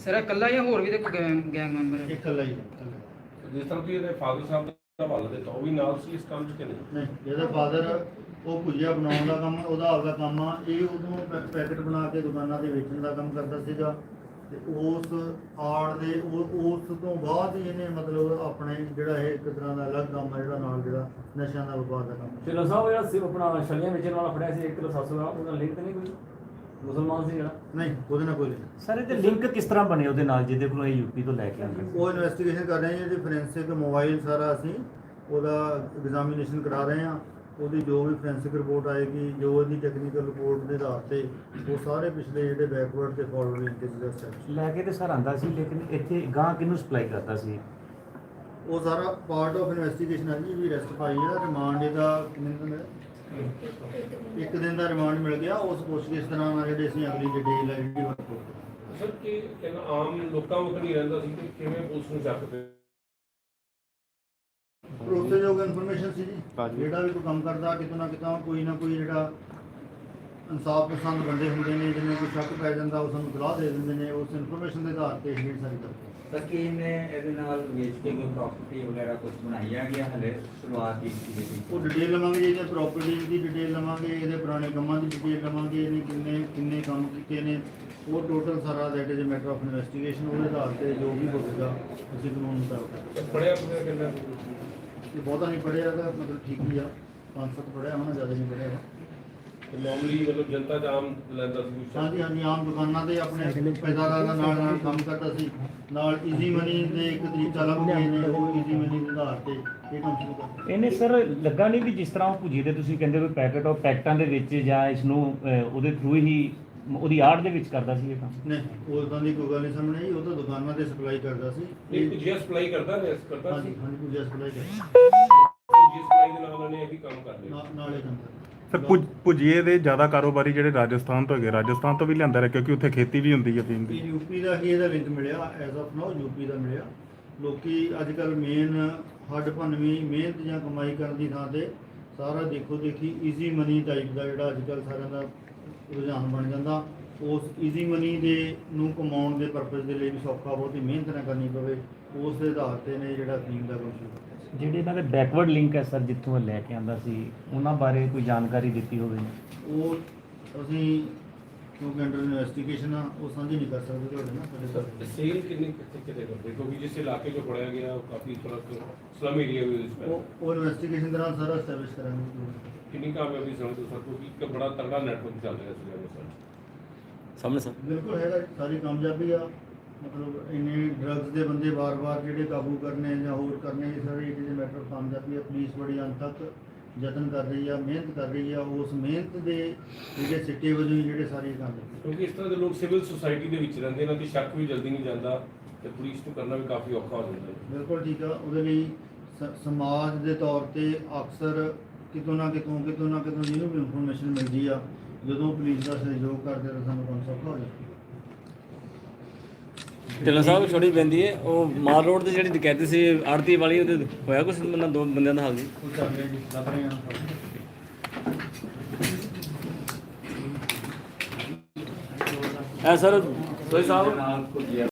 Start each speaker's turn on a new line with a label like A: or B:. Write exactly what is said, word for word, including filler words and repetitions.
A: Sir ਇਕੱਲਾ ਜਾਂ ਹੋਰ ਵੀ ਤੇ ਗੈਂਗ ਗੈਂਗ ਮੈਂਬਰ ਹੈ?
B: ਇਕੱਲਾ ਹੀ ਹੈ।
C: ਜਿਸ ਤਰ੍ਹਾਂ ਕਿ ਇਹਦੇ ਫਾਦਰ ਸਾਹਿਬ ਦਾ ਹਵਾਲਾ ਦਿੱਤਾ, ਉਹ ਵੀ ਨਾਲ ਸੀ ਇਸ ਕੰਮ 'ਚ ਕਿ ਨਹੀਂ?
B: ਨਹੀਂ, ਇਹਦਾ ਫਾਦਰ ਉਹ ਭੁਜੀਆ ਬਣਾਉਣ ਦਾ ਕੰਮ, ਉਹਦਾ ਆਪਦਾ ਕੰਮ ਆ। ਇਹ ਉਦੋਂ ਪੈ- ਪੈਕਟ ਬਣਾ ਕੇ ਦੁਕਾਨਾਂ ਤੇ ਵੇਚਣ ਦਾ ਕੰਮ ਕਰਦਾ ਸੀਗਾ। ਤੇ ਉਸ ਆੜ ਦੇ ਉਹ ਉਸ ਤੋਂ ਬਾਅਦ ਹੀ ਇਹਨੇ ਮਤਲਬ ਆਪਣੇ ਜਿਹੜਾ ਇਹ ਇੱਕ ਤਰ੍ਹਾਂ ਦਾ ਅਲੱਗ ਕੰਮ ਆ ਜਿਹੜਾ ਨਾਲ ਜਿਹੜਾ ਨਸ਼ਿਆਂ ਦਾ ਵਪਾਰ ਦਾ ਕੰਮ।
D: ਢਿੱਲੋਂ ਸਾਹਿਬ ਜਿਹੜਾ ਸੀ ਆਪਣਾ ਛਲੀਆਂ ਵੇਚਣ ਵਾਲਾ ਫੜਿਆ ਸੀ ਇੱਕ ਕਿਲੋ ਸੱਤ ਸੌ ਦਾ, ਉਹਦਾ ਲਿੰਕ ਤਾਂ ਨਹੀਂ ਕੋਈ ਮੁਸਲਮਾਨ ਸੀ ਜਿਹੜਾ?
B: ਨਹੀਂ, ਉਹਦੇ ਨਾਲ ਕੋਈ ਨਹੀਂ।
E: ਸਰ ਇਹਦੇ ਲਿੰਕ ਕਿਸ ਤਰ੍ਹਾਂ ਬਣੇ ਉਹਦੇ ਨਾਲ ਜਿਹਦੇ ਕੋਲੋਂ ਇਹ ਯੂਪੀ ਤੋਂ ਲੈ ਕੇ ਆਉਂਦੇ ਸੀ?
B: ਉਹ ਇਨਵੈਸਟੀਗੇਸ਼ਨ ਕਰ ਰਹੇ ਹਾਂ ਜੀ। ਫੋਰੈਂਸਿਕ ਮੋਬਾਈਲ ਸਾਰਾ ਅਸੀਂ ਉਹਦਾ ਐਗਜ਼ਾਮੀਨੇਸ਼ਨ ਕਰਾ ਰਹੇ ਹਾਂ। ਉਹਦੀ ਜੋ ਵੀ ਫੋਰੈਂਸਿਕ ਰਿਪੋਰਟ ਆਏਗੀ, ਜੋ ਉਹਦੀ ਟੈਕਨੀਕਲ ਰਿਪੋਰਟ ਦੇ ਆਧਾਰ ਤੇ ਉਹ ਸਾਰੇ ਪਿਛਲੇ ਜਿਹੜੇ ਬੈਕਵਰਡ ਤੇ ਫਾਰਵਰਡ ਲਿੰਕੇਜ ਦਾ ਸਟੈਪ
E: ਲੈ ਕੇ ਤੇ ਸਰ ਆਂਦਾ ਸੀ, ਲੇਕਿਨ ਇੱਥੇ ਗਾਂ ਕਿਹਨੂੰ ਸਪਲਾਈ ਕਰਦਾ ਸੀ?
B: ਉਹ ਸਾਰਾ ਪਾਰਟ ਆਫ ਇਨਵੈਸਟੀਗੇਸ਼ਨ ਹੈ ਜੀ। ਵੀ ਰੈਸਟ ਪਾਈ ਹੈ, ਰਿਮਾਂਡ ਇਹਦਾ ਕਿੰਨੇ ਦਿਨ ਦਾ ਮਿਲਿਆ? ਇੱਕ ਦਿਨ ਦਾ ਰਿਮਾਂਡ ਮਿਲ ਗਿਆ। ਉਸ ਪੁੱਛਗਿੱਛ ਦੇ ਨਾਲ ਜਿਹੜੇ ਅਸੀਂ ਅਗਲੀ ਡਿਟੇਲ ਹੈ ਜਿਹੜੀ ਵਰਤੋਂ
C: ਸਰ ਕਿ ਇਹਨਾਂ ਆਮ ਲੋਕਾਂ ਨੂੰ ਨਹੀਂ ਰਹਿੰਦਾ ਸੀ ਕਿ ਕਿਵੇਂ ਪੁਲਿਸ ਨੂੰ ਚੱਕ ਪਏ?
B: ਭਰੋਸੇਯੋਗ ਇਨਫੋਰਮੇਸ਼ਨ ਸੀ ਜੀ। ਜਿਹੜਾ ਵੀ ਕੋਈ ਕੰਮ ਕਰਦਾ ਕਿਤੇ ਨਾ ਕਿਤੇ ਕੋਈ ਨਾ ਕੋਈ ਜਿਹੜਾ ਇਨਸਾਫ ਪਸੰਦ ਬੰਦੇ ਹੁੰਦੇ ਨੇ, ਜਿਹਨੇ ਕੋਈ ਸ਼ੱਕ ਪੈ ਜਾਂਦਾ ਉਹ ਸਾਨੂੰ ਸਲਾਹ ਦੇ ਦਿੰਦੇ ਨੇ। ਉਸ ਇਨਫੋਰਮੇਸ਼ਨ ਦੇ ਆਧਾਰ ਤੇ ਇਹ ਸਾਰੀ ਕਰਦੇ।
F: ਤਾਂ ਕੀ ਇਹਨੇ ਇਹਦੇ ਨਾਲ ਵੇਚ ਕੇ ਕੋਈ ਪ੍ਰਾਪਰਟੀ ਵਗੈਰਾ ਕੁਝ ਬਣਾਇਆ ਗਿਆ? ਹਲੇ ਸ਼ੁਰੂਆਤ ਕੀਤੀ ਗਈ।
B: ਉਹ ਡਿਟੇਲ ਲਵਾਂਗੇ ਜੀ, ਇਹਦੇ ਪ੍ਰਾਪਰਟੀ ਦੀ ਡਿਟੇਲ ਲਵਾਂਗੇ, ਇਹਦੇ ਪੁਰਾਣੇ ਕੰਮਾਂ ਦੀ ਡਿਟੇਲ ਲਵਾਂਗੇ, ਇਹਨੇ ਕਿੰਨੇ ਕਿੰਨੇ ਕੰਮ ਕੀਤੇ ਨੇ। ਉਹ ਟੋਟਲ ਸਾਰਾ that is a matter of investigation. ਉਹਦੇ ਆਧਾਰ ਤੇ ਜੋ ਵੀ ਹੋਵੇਗਾ ਅਸੀਂ ਕਾਨੂੰਨ ਮੁਤਾਬਕ।
C: ਪੜਿਆ ਪੜਿਆ ਕਿੰਨਾ?
B: ਇਹ ਬਹੁਤਾ ਨਹੀਂ ਪੜਿਆ ਹੈਗਾ, ਮਤਲਬ ਠੀਕ ਹੀ ਆ। ਪੰਜ ਸੱਤ ਪੜਿਆ ਹੋਣਾ, ਜ਼ਿਆਦਾ ਨਹੀਂ ਪੜਿਆ ਹੈਗਾ।
C: ਮਾਮੂਲੀ ਮਤਲਬ ਜਨਤਾ ਦਾ ਆਮ ਲੈਂਦਾ ਸੀ?
B: ਹਾਂਜੀ ਹਾਂਜੀ, ਆਮ ਦੁਕਾਨਾਂ ਤੇ ਆਪਣੇ ਪੈਦਾਵਾਰ ਦਾ ਨਾਲ ਨਾਲ ਕੰਮ ਕਰਦਾ ਸੀ। ਨਾਲ ਈਜ਼ੀ ਮਨੀ ਦੇ ਇੱਕ ਤਰੀਕਾ ਲੱਭ ਗਏ ਨੇ, ਉਹ ਈਜ਼ੀ ਮਨੀ ਦੇ ਆਧਾਰ ਤੇ ਇਹ ਕੰਮ ਸ਼ੁਰੂ ਕਰਦਾ।
E: ਇਹਨੇ ਸਰ ਲੱਗਾ ਨਹੀਂ ਵੀ ਜਿਸ ਤਰ੍ਹਾਂ ਉਹ ਭੁਜੀ ਦੇ ਤੁਸੀਂ ਕਹਿੰਦੇ ਵੀ ਪੈਕਟ ਉਹ ਪੈਕਟਾਂ ਦੇ ਵਿੱਚ ਜਾਂ ਇਸ ਨੂੰ ਅਹ, ਉਹਦੇ ਥਰੂ ਹੀ ਉਹਦੀ ਆੜ ਦੇ ਵਿੱਚ ਕਰਦਾ ਸੀ ਇਹ ਕੰਮ?
B: ਨਹੀਂ, ਉਦਾਂ ਦੀ ਕੋਈ ਗੱਲ ਨਹੀਂ ਸਾਹਮਣੇ ਆਈ। ਉਹ ਤਾਂ ਦੁਕਾਨਾਂ ਤੇ ਸਪਲਾਈ ਕਰਦਾ ਸੀ।
C: ਇਹ ਕੁਝ ਸਪਲਾਈ ਕਰਦਾ ਨੇ ਕਰਦਾ
B: ਹਾਂਜੀ
C: ਸੀ?
B: ਹਾਂਜੀ, ਕੁਝ ਸਪਲਾਈ ਕਰਦਾ
C: ਜੀ ਸਪਲਾਈ ਦੇ ਨਾਲ ਉਹਨਾਂ ਨੇ ਇਹ ਵੀ ਕੰਮ ਕਰ ਲਿਆ।
B: ਨਾਲ- ਨਾਲ ਇਹ ਕੰਮ ਕਰਦਾ।
G: ਸਰ ਭੁਜ ਭੁਜੀਏ ਦੇ ਜ਼ਿਆਦਾ ਕਾਰੋਬਾਰੀ ਜਿਹੜੇ ਰਾਜਸਥਾਨ ਤੋਂ ਹੈਗੇ, ਰਾਜਸਥਾਨ ਤੋਂ ਵੀ ਲਿਆਂਦਾ ਰਿਹਾ ਕਿਉਂਕਿ ਉੱਥੇ ਖੇਤੀ ਵੀ ਹੁੰਦੀ ਹੈ ਅਫੀਮ ਦੀ।
B: ਇਹ ਯੂਪੀ ਦਾ ਹੀ ਇਹਦਾ ਲਿੰਕ ਮਿਲਿਆ ਐਜ਼ ਆਫ ਨਾਓ, ਯੂਪੀ ਦਾ ਮਿਲਿਆ। ਲੋਕੀ ਅੱਜ ਕੱਲ ਮੇਨ ਹੱਡ ਭੰਨਵੀਂ ਮਿਹਨਤ ਜਾਂ ਕਮਾਈ ਕਰਨ ਦੀ ਥਾਂ ਤੇ ਸਾਰਾ ਦੇਖੋ ਦੇਖੀ ਈਜ਼ੀ ਮਨੀ ਟਾਈਪ ਦਾ ਜਿਹੜਾ ਅੱਜ ਕੱਲ ਸਾਰਿਆਂ ਦਾ ਰੁਝਾਨ ਬਣ ਜਾਂਦਾ। ਉਸ ਈਜ਼ੀ ਮਨੀ ਦੇ ਨੂੰ ਕਮਾਉਣ ਦੇ ਪਰਪਸ ਦੇ ਲਈ ਵੀ ਸੌਖਾ ਬਹੁਤੀ ਮਿਹਨਤ ਨਾ ਕਰਨੀ ਪਵੇ, ਉਸ ਦੇ ਆਧਾਰ ਤੇ ਨੇ ਜਿਹੜਾ ਅਫੀਮ ਦਾ ਕੰਮ ਸ਼ੁਰੂ ਕੀਤਾ।
E: ਜਿਹੜੇ ਇਹਨਾਂ ਦੇ ਬੈਕਵਰਡ ਲਿੰਕ ਹੈ ਸਰ, ਜਿੱਥੋਂ ਇਹ ਲੈ ਕੇ ਆਂਦਾ ਸੀ, ਉਹਨਾਂ ਬਾਰੇ ਕੋਈ ਜਾਣਕਾਰੀ ਦਿੱਤੀ ਹੋਵੇ?
B: ਉਹ ਅਸੀਂ ਕਿਉਂਕਿ ਅੰਡਰ ਇਨਵੈਸਟੀਗੇਸ਼ਨ ਆ, ਉਹ ਸਾਂਝੀ ਨਹੀਂ ਕਰ ਸਕਦੇ ਤੁਹਾਡੇ ਨਾਲ ਸਾਡੇ
C: ਸਰ
B: ਤੱਕ।
C: ਸੇਲ ਕਿੰਨੇ ਕਿੱਥੇ ਕਿਤੇ ਕਰਦੇ? ਕਿਉਂਕਿ ਜਿਸ ਇਲਾਕੇ 'ਚ ਫੜਿਆ ਗਿਆ ਉਹ ਕਾਫੀ ਥੋੜਾ ਸਲਮ ਏਰੀਆ ਵੀ ਇਸ
B: ਉਹ ਉਹ ਇਨਵੈਸਟੀਗੇਸ਼ਨ ਦੌਰਾਨ ਸਾਰਾ ਐਸਟੈਬਲਿਸ਼ ਕਰਾਂਗੇ।
C: ਕਿੰਨੀ ਕਾਮਯਾਬੀ ਸਮਝਦੇ ਹੋ ਸਰ? ਕਿਉਂਕਿ ਇੱਕ ਬੜਾ ਤਗੜਾ ਨੈਟਵਰਕ ਚੱਲ ਰਿਹਾ ਸੀ ਸਰ।
D: ਸਾਹਮਣੇ ਸਰ
B: ਬਿਲਕੁਲ ਹੈਗਾ, ਸਾਰੀ ਕਾਮਯਾਬੀ ਆ। ਮਤਲਬ ਇੰਨੇ ਡਰੱਗਸ ਦੇ ਬੰਦੇ ਵਾਰ-ਵਾਰ ਜਿਹੜੇ ਕਾਬੂ ਕਰਨੇ ਜਾਂ ਹੋਰ ਕਰਨੇ, ਇਹ ਸਾਰੇ ਇਹਦੇ ਮੈਟਰ ਆਫ ਕਾਮਯਾਬੀ ਆ। ਪੁਲਿਸ ਬੜੀ ਅੰਤ ਤੱਕ ਯਤਨ ਕਰ ਰਹੀ ਆ, ਮਿਹਨਤ ਕਰ ਰਹੀ ਆ। ਉਸ ਮਿਹਨਤ ਦੇ ਜਿਹੜੇ ਸਿੱਟੇ ਵਜੋਂ ਹੀ ਜਿਹੜੇ ਸਾਰੇ ਕੰਮ ਨੇ।
C: ਕਿਉਂਕਿ ਇਸ ਤਰ੍ਹਾਂ ਦੇ ਲੋਕ ਸਿਵਲ ਸੁਸਾਇਟੀ ਦੇ ਵਿੱਚ ਰਹਿੰਦੇ, ਇਹਨਾਂ ਦੀ ਸ਼ੱਕ ਵੀ ਜਲਦੀ ਨਹੀਂ ਜਾਂਦਾ ਤੇ ਪੁਲਿਸ ਨੂੰ ਕਰਨਾ ਵੀ ਕਾਫੀ ਔਖਾ ਹੋ ਜਾਂਦਾ ਹੈ।
B: ਬਿਲਕੁਲ ਠੀਕ ਆ। ਉਹਦੇ ਲਈ ਸ- ਸਮਾਜ ਦੇ ਤੌਰ ਤੇ ਅਕਸਰ ਕਿਤੋਂ ਨਾ ਕਿਤੋਂ ਕਿਤੋਂ ਨਾ ਕਿਤੋਂ ਜਿਹਨੂੰ ਵੀ ਇਨਫੋਰਮੇਸ਼ਨ ਮਿਲਦੀ ਆ, ਜਦੋਂ ਪੁਲਿਸ ਦਾ ਸਹਿਯੋਗ ਕਰਦੇ ਤਾਂ ਸਾਨੂੰ ਕੰਮ ਸੌਖਾ ਹੋ ਜਾਂਦਾ।
D: ਢਿੱਲੋਂ ਸਾਹਿਬ ਛੋਟੀ ਪੈਂਦੀ ਹੈ ਉਹ ਮਾਲ ਰੋਡ ਤੇ ਜਿਹੜੀ ਡਕੈਤੀ ਸੀ ਆੜਤੀ ਵਾਲੀ, ਉਹਦੇ ਹੋਇਆ ਕੁਝ ਬੰਦਾ ਦੋ ਬੰਦਿਆਂ ਦਾ ਹਾਲ ਜੀ?
B: ਉਹ ਚੱਲ ਰਿਹਾ ਜੀ, ਲੱਭ ਰਹੇ ਹਾਂ।
D: ਐ ਸਰ ਸੋਈ ਸਾਹਿਬ